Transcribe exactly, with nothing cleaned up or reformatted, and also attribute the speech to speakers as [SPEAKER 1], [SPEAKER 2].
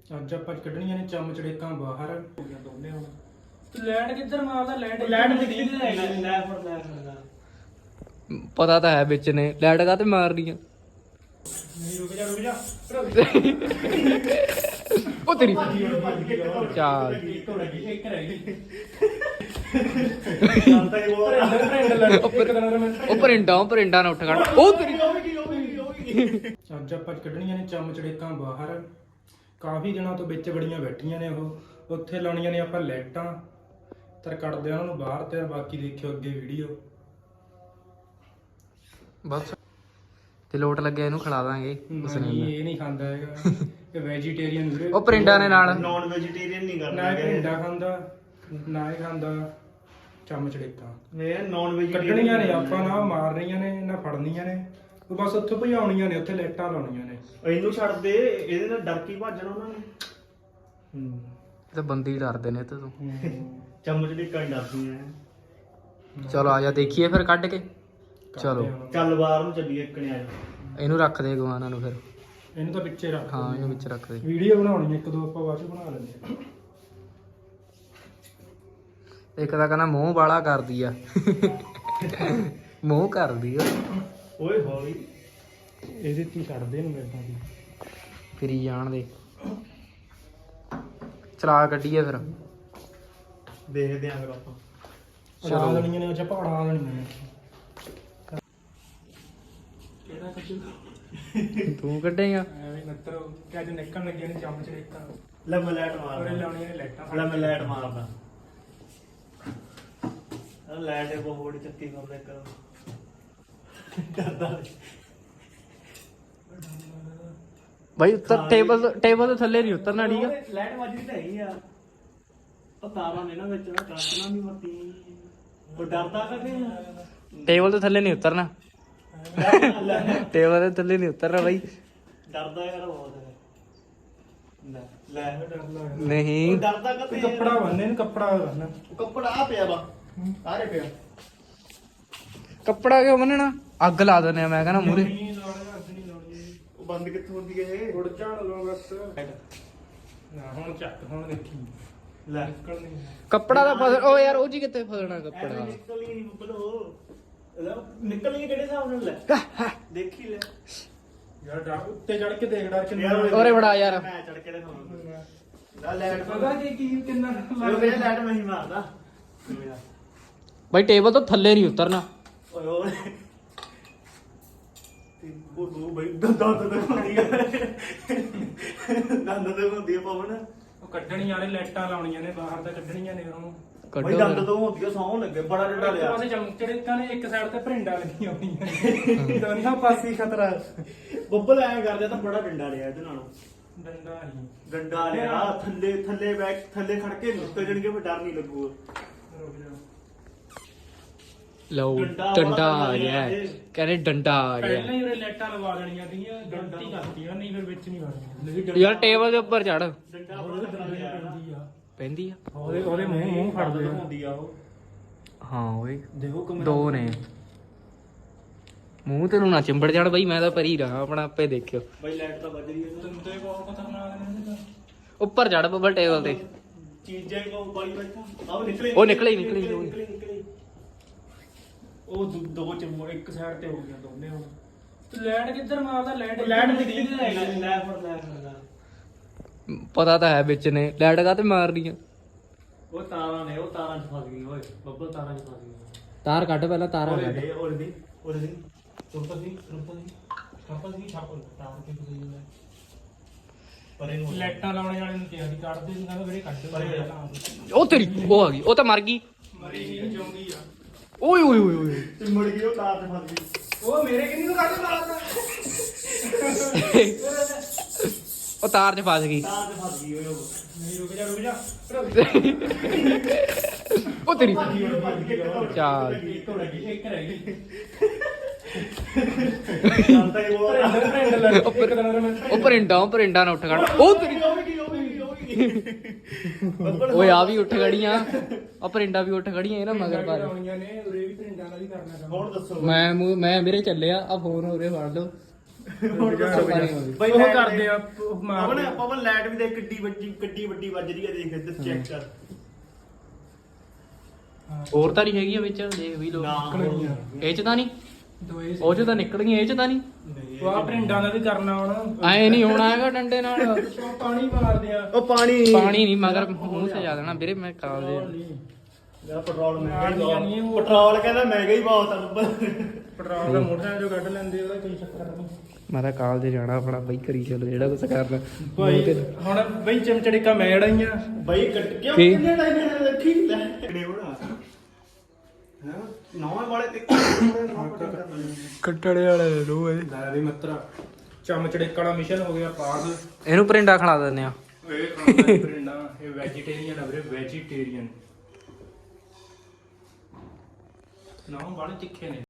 [SPEAKER 1] ਅੱਜ ਆਪਾਂ ਕੱਢਣੀਆਂ ਨੇ ਚਮਚ ਚੜੇਕਾਂ ਬਾਹਰ ਹੋ ਗਿਆ ਦੋਨੇ ਹੁਣ।
[SPEAKER 2] ਲੈਟ ਕਿੱਧਰ ਮਾਰਦਾ? ਲੈਟ
[SPEAKER 1] ਲੈਟ ਦਿਖਦੀ ਨਹੀਂ ਲੈ ਲੈ ਫੜ ਲੈ
[SPEAKER 3] ਪਤਾ ਤਾਂ ਹੈ ਵਿੱਚ ਨੇ ਲੈਟ ਕਾ ਤੇ ਮਾਰਨੀ ਆ।
[SPEAKER 1] ਨਹੀਂ ਰੁਕ ਜਾ ਰੁਕ ਜਾ
[SPEAKER 3] ਉਹ ਤੇਰੀ
[SPEAKER 1] ਚੱਲ
[SPEAKER 3] ਚੱਲ
[SPEAKER 1] ਇੱਕ ਹੋ ਗਈ ਇੱਕ ਰਹਿ ਗਈ
[SPEAKER 3] ਉਹ ਪਰਿੰਡਾ ਉਹ ਪਰਿੰਡਾ ਨਾ ਉੱਠ ਖੜ ਉਹ ਤੇਰੀ
[SPEAKER 1] ਅੱਜ ਆਪਾਂ ਕੱਢਣੀਆਂ ਨੇ ਚਮਚ ਚੜੇਕਾਂ ਬਾਹਰ। ਕਾਫੀ ਦਿਨਾਂ ਤੋਂ ਵਿੱਚ ਬੜੀਆਂ ਬੈਠੀਆਂ ਨੇ ਉਹ। ਉੱਥੇ ਲਾਉਣੀਆਂ ਨੇ ਆਪਾਂ ਲਾਈਟਾਂ ਤਰ ਕੱਢਦੇ ਉਹਨਾਂ ਨੂੰ ਬਾਹਰ ਤੇ ਬਾਕੀ ਦੇਖਿਓ ਅੱਗੇ ਵੀਡੀਓ।
[SPEAKER 3] ਬਸ ਤੇ ਲੋਟ ਲੱਗਿਆ ਇਹਨੂੰ ਖਿਲਾ ਦਾਂਗੇ ਉਸ ਨੇ।
[SPEAKER 1] ਨਹੀਂ ਇਹ ਨਹੀਂ ਖਾਂਦਾ ਹੈਗਾ, ਇਹ ਵੈਜੀਟੇਰੀਅਨ ਵੀਰੇ।
[SPEAKER 3] ਉਹ ਪਰਿੰਡਾ ਨੇ ਨਾਲ
[SPEAKER 4] ਨੌਨ ਵੈਜੀਟੇਰੀਅਨ ਨਹੀਂ ਕਰਨਾ
[SPEAKER 1] ਨਾ ਇਹ ਭਿੰਡਾ ਖਾਂਦਾ ਨਾ ਇਹ ਖਾਂਦਾ ਚਮਚ ਚੜੇਕਾਂ।
[SPEAKER 4] ਇਹ ਨੌਨ ਵੈਜੀਟੇਰੀਅਨ
[SPEAKER 1] ਕੱਢਣੀਆਂ ਨੇ ਆਪਾਂ, ਨਾ ਮਾਰਨੀਆਂ ਨੇ ਨਾ ਫੜਨੀਆਂ ਨੇ, ਉਹ ਬਸ ਉੱਥੋਂ ਭਜਾਉਣੀਆਂ ਨੇ, ਉੱਥੇ ਲਾਈਟਾਂ ਲਾਉਣੀਆਂ ਨੇ।
[SPEAKER 4] ਇਹਨੂੰ ਛੱਡ ਦੇ, ਇਹਦੇ ਨਾਲ ਡਰ ਕੇ ਭੱਜਣਾ ਉਹਨਾਂ ਨੇ।
[SPEAKER 1] ਹੂੰ
[SPEAKER 3] ਤੇ ਬੰਦੀ ਡਰਦੇ ਨੇ ਤੇ ਤੂੰ।
[SPEAKER 4] ਚਮਚ ਦੀ ਕੰਨ ਡਰਦੀਆਂ।
[SPEAKER 3] ਚਲੋ ਆ ਜਾ ਦੇਖੀਏ ਫਿਰ ਕੱਢ ਕੇ। ਚਲੋ
[SPEAKER 4] ਚੱਲ ਬਾਹਰ ਨੂੰ ਚੱਲੀਏ ਇੱਕਣੇ ਆ ਜਾ।
[SPEAKER 3] ਇਹਨੂੰ ਰੱਖ ਦੇ ਗਵਾਨਾਂ ਨੂੰ ਫਿਰ।
[SPEAKER 1] ਇਹਨੂੰ ਤਾਂ ਵਿੱਚੇ ਰੱਖ।
[SPEAKER 3] ਹਾਂ ਇਹਨੂੰ ਵਿੱਚ ਰੱਖ ਦੇ।
[SPEAKER 1] ਵੀਡੀਓ ਬਣਾਉਣੀ ਇੱਕ ਦੋ ਆਪਾਂ ਬਾਅਦ ਚ ਬਣਾ ਲੈਂਦੇ ਆ।
[SPEAKER 3] ਇੱਕ ਤਾਂ ਕਹਿੰਦਾ ਮੂੰਹ ਵਾਲਾ ਕਰਦੀ ਆ ਮੂੰਹ ਕਰਦੀ ਆ
[SPEAKER 4] ਓਏ ਹੌਲੀ
[SPEAKER 1] ਇਹਦੇ ਤੇ ਛੱਡਦੇ ਨੂੰ ਮੇਰੇ ਦੀ
[SPEAKER 3] ਫਿਰੀ ਜਾਣ ਦੇ। ਚਲਾ ਕੱਢੀਏ ਫਿਰ।
[SPEAKER 4] ਦੇਖਦੇ ਆਂ ਫਿਰ ਆਪਾਂ।
[SPEAKER 1] ਚਲਾ ਲੈਣੀਆਂ ਨੇ, ਉਹ ਚ ਪਹਾੜਾਂ ਲੈਣੀਆਂ ਨੇ। ਕਿਹੜਾ ਕੱਢੂ
[SPEAKER 3] ਤੂੰ ਕੱਢੇਗਾ।
[SPEAKER 1] ਐਵੇਂ ਨੱਤਰ ਕਿ ਅੱਜ ਨਿਕਲਣ ਲੱਗੀਆਂ ਨੇ ਚਮਚ ਚੜੇਕਾਂ।
[SPEAKER 4] ਲੈ ਮੈਂ ਲਾਈਟ
[SPEAKER 1] ਉਹਨੇ
[SPEAKER 4] ਮਾਰਦਾ।
[SPEAKER 1] ਲਾਉਣੀਆਂ ਨੇ ਲਾਈਟਾਂ।
[SPEAKER 4] ਲੈ ਮੈਂ ਲਾਈਟ ਮਾਰਦਾ। ਆ ਲਾਈਟ ਇਹ ਬਹੁਤ ਚੱਕੀ ਕਰਦਾ ਇੱਕ ਡਰਦਾ।
[SPEAKER 3] ਬਾਈ ਉੱਤਰ ਟੇਬਲ ਟੇਬਲ ਤੋਂ ਥੱਲੇ ਨਹੀਂ ਉਤਰਨਾ ਠੀਕ ਆ।
[SPEAKER 4] ਲਾਈਟ ਵੱਜਦੀ ਤਾਂ ਹੈਗੀ ਆ। ਉਹ ਤਾਰਾਂ ਨੇ ਨਾ ਵਿੱਚ ਕੱਟਣਾ ਵੀ ਮੱਤੀ। ਉਹ ਡਰਦਾ ਕਦੇ
[SPEAKER 3] ਟੇਬਲ ਤੋਂ ਥੱਲੇ ਨਹੀਂ ਉਤਰਨਾ। ਟੇਬਲ ਤੋਂ ਥੱਲੇ ਨਹੀਂ ਉਤਰਨਾ ਬਾਈ।
[SPEAKER 4] ਡਰਦਾ ਯਾਰ ਬਹੁਤ ਲੈ ਲੈ
[SPEAKER 1] ਡਰਦਾ
[SPEAKER 3] ਨਹੀਂ
[SPEAKER 4] ਉਹ ਡਰਦਾ ਕਦੇ
[SPEAKER 1] ਕੱਪੜਾ ਬੰਨ੍ਹੇ ਨੂੰ, ਕੱਪੜਾ ਬੰਨ੍ਹਨਾ।
[SPEAKER 4] ਕੱਪੜਾ ਆ ਪਿਆ ਵਾ ਸਾਰੇ ਪਿਆ।
[SPEAKER 3] ਕੱਪੜਾ ਕਿਉਂ ਬੰਨਣਾ? ਅੱਗ ਲਾ ਦਿੰਦੇ ਆ ਮੈਂ ਕਹਿੰਦਾ ਮੂਰੇ।
[SPEAKER 1] ਨਹੀਂ ਲਾਉਣੀ, ਅੱਜ ਨਹੀਂ ਲਾਉਣੀ।
[SPEAKER 4] ਉਹ ਬੰਦ ਕਿੱਥੋਂ ਹੁੰਦੀ ਹੈ ਇਹ?
[SPEAKER 1] ਗੁੜ ਝਾੜ ਲਓ ਬਸ। ਨਾ ਹੁਣ ਚੱਕ, ਹੁਣ ਦੇਖੀ
[SPEAKER 4] ਲੈ
[SPEAKER 1] ਨਿਕਲ ਨਹੀਂ।
[SPEAKER 3] ਕੱਪੜਾ ਦਾ ਫਸ ਉਹ ਯਾਰ ਉਹ ਜੀ ਕਿੱਥੇ ਫਸਣਾ
[SPEAKER 4] ਐਵੇਂ
[SPEAKER 3] ਕੱਪੜਾ।
[SPEAKER 4] ਨਿਕਲ ਹੀ ਨਹੀਂ ਬੁੱਬਲੋ। ਲੈ ਨਿਕਲ ਹੀ ਕਿਹੜੇ ਹਿਸਾਬ ਨਾਲ ਲੈ ਦੇਖੀ ਲੈ
[SPEAKER 1] ਯਾਰ ਡਰ ਉੱਤੇ ਚੜ ਕੇ ਦੇਖ ਡਰ ਕਿੰਨਾ।
[SPEAKER 4] ਯਾਰ
[SPEAKER 3] ਓਰੇ ਬੜਾ ਯਾਰ।
[SPEAKER 4] ਮੈਂ ਚੜ ਕੇ ਦਿਖਾਉਂਦਾ ਲੈ ਲਾਈਟ
[SPEAKER 1] ਪਤਾ ਕੀ ਕੀ ਕਿੰਨਾ
[SPEAKER 4] ਲੱਗ ਰਿਹਾ। ਲਾਈਟ ਮੈਂ ਹੀ ਮਾਰਦਾ
[SPEAKER 3] ਬਾਈ ਟੇਬਲ ਤੋਂ ਥੱਲੇ ਨਹੀਂ ਉਤਰਨਾ।
[SPEAKER 4] ਓਏ ਓਏ ਉਹ ਦੋ ਬਈ ਦੰਦਾਂ ਤੇ ਹੁੰਦੀ ਹੈ। ਦੰਦਾਂ ਤੇ ਹੁੰਦੀ ਹੈ ਪਵਨ।
[SPEAKER 1] ਉਹ ਕੱਢਣੀ ਵਾਲੇ ਲਾਈਟਾਂ ਲਾਉਣੀਆਂ ਨੇ ਬਾਹਰ ਤਾਂ ਕੱਢਣੀਆਂ ਨੇ ਉਹਨੂੰ।
[SPEAKER 4] ਬਈ
[SPEAKER 3] ਕੱਢੋ
[SPEAKER 4] ਦੰਦ
[SPEAKER 3] ਫਿਰ।
[SPEAKER 4] ਤੋਂ ਹੁੰਦੀ ਹੈ ਸੌਂ ਲੱਗੇ ਬੜਾ ਡੰਡਾ
[SPEAKER 1] ਇੱਕ
[SPEAKER 4] ਲਿਆ।
[SPEAKER 1] ਪਾਸੇ ਚਮਚ ਚੜੇਕਾਂ ਨੇ, ਇੱਕ ਸਾਈਡ ਤੇ ਭਰਿੰਡਾ ਲੱਗੀਆਂ ਹੋਈਆਂ ਨੇ। ਦੋਨਾਂ ਪਾਸੇ ਖਤਰਾ।
[SPEAKER 4] ਬੱਬਲ ਐ ਕਰਦੇ ਤਾਂ ਬੜਾ ਡੰਡਾ ਲਿਆ ਇਹਦੇ ਨਾਲੋਂ।
[SPEAKER 1] ਡੰਡਾ ਨਹੀਂ
[SPEAKER 4] ਡੰਡਾ ਲਿਆ ਥੱਲੇ ਥੱਲੇ ਬੈਠ ਥੱਲੇ ਖੜ ਕੇ ਨਿਕਲ ਜਾਣਗੇ ਫਿਰ ਡਰ ਨਹੀਂ ਲੱਗੂਗਾ।
[SPEAKER 1] ਰੁਕ ਜਾ।
[SPEAKER 3] ਲਓ
[SPEAKER 4] ਡੰਡਾ
[SPEAKER 3] ਡੰਡਾ
[SPEAKER 4] ਵਾਲਾ
[SPEAKER 3] ਆ ਗਿਆ
[SPEAKER 4] ਇਹ।
[SPEAKER 3] ਕਹਿੰਦੇ ਡੰਡਾ ਆ
[SPEAKER 1] ਪਹਿਲਾਂ
[SPEAKER 3] ਗਿਆ।
[SPEAKER 1] ਹੀ ਉਹਨੇ ਲਾਈਟਾਂ ਲਵਾ ਦੇਣੀਆਂ ਸੀਗੀਆਂ, ਗਲਤੀ ਕਰਤੀ ਆ, ਨਹੀਂ ਫਿਰ ਵਿੱਚ ਨਹੀਂ ਵੜਨੀਆਂ।
[SPEAKER 3] ਯਾਰ ਟੇਬਲ ਦੇ ਉੱਪਰ ਚੜ
[SPEAKER 4] ਡੰਡਾ ਬੜਾ ਡੰਡਾ ਲਿਆ
[SPEAKER 1] ਪੈਂਦੀ ਆ।
[SPEAKER 3] ਪੈਂਦੀ ਆ।
[SPEAKER 1] ਉਹਦੇ ਉਹਦੇ ਮੂੰਹ ਮੂੰਹ ਫੜਦੇ ਆ।
[SPEAKER 4] ਹੁੰਦੀ ਆ ਉਹ।
[SPEAKER 3] ਹਾਂ ਓਏ
[SPEAKER 1] ਦੇਖੋ ਕਮਰਾ
[SPEAKER 3] ਦੋ ਨੇ। ਮੂੰਹ ਤੇ ਨੂੰ ਨਾ ਚਿੰਬੜ ਜਾਣ ਬਾਈ, ਮੈਂ ਤਾਂ ਪਰੀ ਰਹਾ ਆਪਣਾ ਆਪੇ ਦੇਖਿਓ।
[SPEAKER 4] ਬਈ ਲਾਈਟ ਤਾਂ ਵੱਜ ਰਹੀ ਹੈ।
[SPEAKER 1] ਦੰਦੇ ਬਹੁਤ ਖਤਰਨਾਕ ਨੇ ਇਹਦੇ ਤਾਂ।
[SPEAKER 3] ਉੱਪਰ ਚੜ ਬੱਬਲ ਟੇਬਲ ਤੇ।
[SPEAKER 4] ਚੀਜ਼ਾਂ ਹੀ ਕੋ ਬਾਈ ਬੈਠਾ ਆਹ ਨਿਕਲੇ
[SPEAKER 3] ਉਹ ਨਿਕਲੇ ਹੀ, ਨਿਕਲੇ ਹੀ,
[SPEAKER 4] ਨਿਕਲੇ ਨਿਕਲੇ।
[SPEAKER 1] ਉਹ ਦੋ- ਦੋ ਚ ਮੋ- ਇੱਕ ਸਾਈਡ ਤੇ ਹੋ ਗਈਆਂ ਦੋਨੇ ਹੁਣ। ਤੇ ਲਾਈਟ ਕਿੱਧਰ ਮਾਰਦਾ? ਲਾਈਟ
[SPEAKER 4] ਲਾਈਟ ਦਿਖਦੀ ਨਹੀਂ ਲੈ ਲੈ ਫੜ ਲੈ ਫੜ।
[SPEAKER 3] ਪਤਾ ਤਾਂ ਹੈ ਵਿੱਚ ਨੇ ਲੈਟ ਕਾ ਤੇ ਮਾਰਨੀ ਆ।
[SPEAKER 4] ਉਹ ਤਾਰਾਂ ਨੇ, ਉਹ ਤਾਰਾਂ 'ਚ ਫਸ ਗਈ ਓਏ ਬੱਬਲ, ਤਾਰਾਂ 'ਚ ਫਸ ਗਈ।
[SPEAKER 3] ਤਾਰ ਕੱਢ ਪਹਿਲਾਂ ਤਾਰਾਂ
[SPEAKER 4] ਉਹਦੇ
[SPEAKER 3] ਕੱਢ।
[SPEAKER 4] ਦੇ ਉਹਦੇ ਦੀ ਉਹਦੇ ਦੀ ਰੁਕਤਾ ਸੀ ਰੁਕਤਾ ਸੀ ਛਾਪਾ ਸੀ ਛਾਪਾ ਤਾਰ ਕੇ ਫਸ ਗਈ। ਪਰ ਇਹਨੂੰ
[SPEAKER 1] ਲਾਈਟਾਂ ਲਾਉਣੇ ਵਾਲੇ ਨੂੰ ਕਿਹਾ ਸੀ ਕੱਢਦੇ ਨਹੀਂ, ਕਹਿੰਦਾ ਵੀਰੇ ਕੱਢ
[SPEAKER 4] ਪਰ ਇਹ-
[SPEAKER 1] ਦੇ।
[SPEAKER 3] ਉਹ ਤੇਰੀ ਉਹ ਆ ਗਈ, ਉਹ ਤਾਂ ਮਰ ਗਈ।
[SPEAKER 1] ਮਰੀ ਨਹੀਂ ਜਿਉਂਦੀ ਆ।
[SPEAKER 3] ਓਏ ਓਏ ਓਏ ਓਏ
[SPEAKER 4] ਤੇ ਮੁੜ ਗਈ ਉਹ ਤਾਰ 'ਚ ਫਸ ਗਈ।
[SPEAKER 1] ਉਹ ਮੇਰੇ ਕਿੰਨੀ ਨੂੰ ਕੱਢ ਮਾਰਦਾ।
[SPEAKER 3] ਉਹ ਤਾਰ 'ਚ ਫਸ ਗਈ।
[SPEAKER 4] ਤਾਰ 'ਚ ਫਸ ਗਈ ਓਏ ਉਹ।
[SPEAKER 1] ਨਹੀਂ ਰੁਕ ਜਾ ਰੁਕ ਜਾ।
[SPEAKER 3] ਉਹ ਤੇਰੀ
[SPEAKER 4] ਚੱਲ
[SPEAKER 3] ਚੱਲ।
[SPEAKER 1] ਇੱਕ ਹੋ ਗਈ, ਇੱਕ ਰਹਿ ਗਈ।
[SPEAKER 4] ਤਾਂ ਇਹ ਉਹ
[SPEAKER 1] ਭਰਿੰਡਾ ਭਰਿੰਡਾ ਲੱਗ ਇੱਕ ਦਿਨ ਉਹਨੇ ਮੈਨੂੰ
[SPEAKER 3] ਉਹ ਪਰਿੰਡਾ ਉਹ ਪਰਿੰਡਾ ਨਾ ਉੱਠ ਖੜ। ਉਹ ਤੇਰੀ
[SPEAKER 4] ਉਹ ਵੀ ਉਹ ਵੀ ਉਹ ਵੀ
[SPEAKER 3] ਓਏ ਆ ਵੀ ਉੱਠ ਖੜੀਆਂ। ਆ ਪਰਿੰਡਾ ਵੀ ਉੱਠ ਖੜੀਆਂ ਇਹ ਨਾ ਮਗਰ ਪਾ।
[SPEAKER 1] ਲਾਉਣੀਆਂ ਨੇ, ਉਰੇ ਵੀ ਭਰਿੰਡਾ ਨਾਲ ਹੀ ਕਰਨਾ ਕੰਮ।
[SPEAKER 4] ਹੁਣ ਦੱਸੋ
[SPEAKER 3] ਮੈਂ ਮੂੰਹ- ਮੈਂ ਮੇਰੇ ਚੱਲਿਆ ਆ ਫੋਨ ਉਰੇ ਫੜ ਲਓ।
[SPEAKER 4] ਹੁਣ ਦੱਸੋ ਬਈ
[SPEAKER 1] ਉਹ
[SPEAKER 4] light
[SPEAKER 1] ਕਰਦੇ ਆ
[SPEAKER 4] ਦੇ-
[SPEAKER 1] ਉਹ
[SPEAKER 4] ਪਵਨ
[SPEAKER 1] ਮਾਰਦੇ ਆ।
[SPEAKER 4] ਪਵਨ ਲਾਈਟ ਵੀ ਦੇਖ ਕਿੱਡੀ ਵੱਡੀ ਕਿੱਡੀ ਵੱਡੀ ਵੱਜ ਰਹੀ ਹੈ ਦੇਖ ਇੱਧਰ ਚੈੱਕ ਕਰ
[SPEAKER 3] ਹੋਰ ਤਾਂ ਨਹੀਂ ਹੈਗੀ ਆ ਵਿੱਚ ਦੇਖ ਵੀ ਲੋ
[SPEAKER 4] ਨਾ
[SPEAKER 3] ਇਹ ਚ ਤਾਂ ਨਹੀਂ
[SPEAKER 1] ਦੋਏ
[SPEAKER 3] ਉਹ ਚ ਤਾਂ ਨਿਕਲ ਗਈਆਂ ਇਹ ਚ ਤਾਂ ਨਹੀਂ
[SPEAKER 1] ਉਹ ਆ ਪ੍ਰਿੰਡਾਂ ਦਾ ਵੀ ਕਰਨਾ ਹੁਣ
[SPEAKER 3] ਐ ਨਹੀਂ ਹੋਣਾ ਹੈਗਾ ਡੰਡੇ ਨਾਲ
[SPEAKER 1] ਉਹ ਪਾਣੀ ਮਾਰਦੇ ਆ
[SPEAKER 4] ਉਹ ਪਾਣੀ
[SPEAKER 3] ਪਾਣੀ ਨਹੀਂ ਮਗਰ ਮੂੰਹ ਸਜਾ ਦੇਣਾ ਵੀਰੇ ਮੈਂ ਕਾਲ ਦੇ
[SPEAKER 4] ਯਾਰ ਪੈਟਰੋਲ ਮਹਿੰਗਾ ਹੀ
[SPEAKER 1] ਮਾਰਨੀਆਂ ਨਹੀਂ
[SPEAKER 4] ਬਹੁਤ
[SPEAKER 1] ਉਹ।
[SPEAKER 4] ਪੈਟਰੋਲ ਕਹਿੰਦਾ ਮਹਿੰਗਾ ਹੀ ਬਹੁਤ ਆ ਬੱਬਾ
[SPEAKER 1] ਪੈਟਰੋਲ ਦਾ ਮੋਟਰਸਾਈਕਲ ਜੋ ਕੱਢ ਲੈਂਦੇ ਉਹਦਾ ਕੋਈ ਚੱਕਰ ਨਹੀਂ
[SPEAKER 3] ਮੈਂ ਤਾਂ ਕਾਲ ਦੇ ਜਾਣਾ ਆਪਣਾ ਬਈ ਕਰੀ ਚਲੋ ਜਿਹੜਾ ਕੁਛ ਕਰਨਾ
[SPEAKER 1] ਭਾਈ ਹੁਣ ਬਈ ਚਮਚੜੇਕਾ ਮੈਂ ਅੜਾਈਆਂ
[SPEAKER 4] ਬਈ ਕੱਟ ਕਿਉਂ
[SPEAKER 3] ਕੀ?
[SPEAKER 4] ਕਿੰਨੇ ਟਾਈਮ ਨਾਲ ਰੱਖੀ ਲੈ ਕਿਹੜੇ ਹੋਣਾ ਹਾਂ ਨੌਂ ਵਾਲੇ ਤੇ
[SPEAKER 3] ਕੱਟੜੇ ਵਾਲੇ ਲੈ ਲੋ ਇਹ
[SPEAKER 1] ਲੈ ਵੀ ਮਤਰਾ ਚਮਚੜੇਕਾ ਵਾਲਾ ਮਿਸ਼ਨ ਹੋ ਗਿਆ ਪਾਸ
[SPEAKER 3] ਇਹਨੂੰ ਪਰਿੰਡਾ ਖਿਲਾ ਦਿੰਦੇ ਆ
[SPEAKER 1] ਇਹ ਖਾਂਦਾ ਪ੍ਰਿੰਡਾਂ ਇਹ ਵੈਜੀਟੇਰੀਅਨ ਆ ਵੀਰੇ ਵੈਜੀਟੇਰੀਅਨ ਨਾ ਵਾਲੇ ਤਿੱਖੇ ਨੇ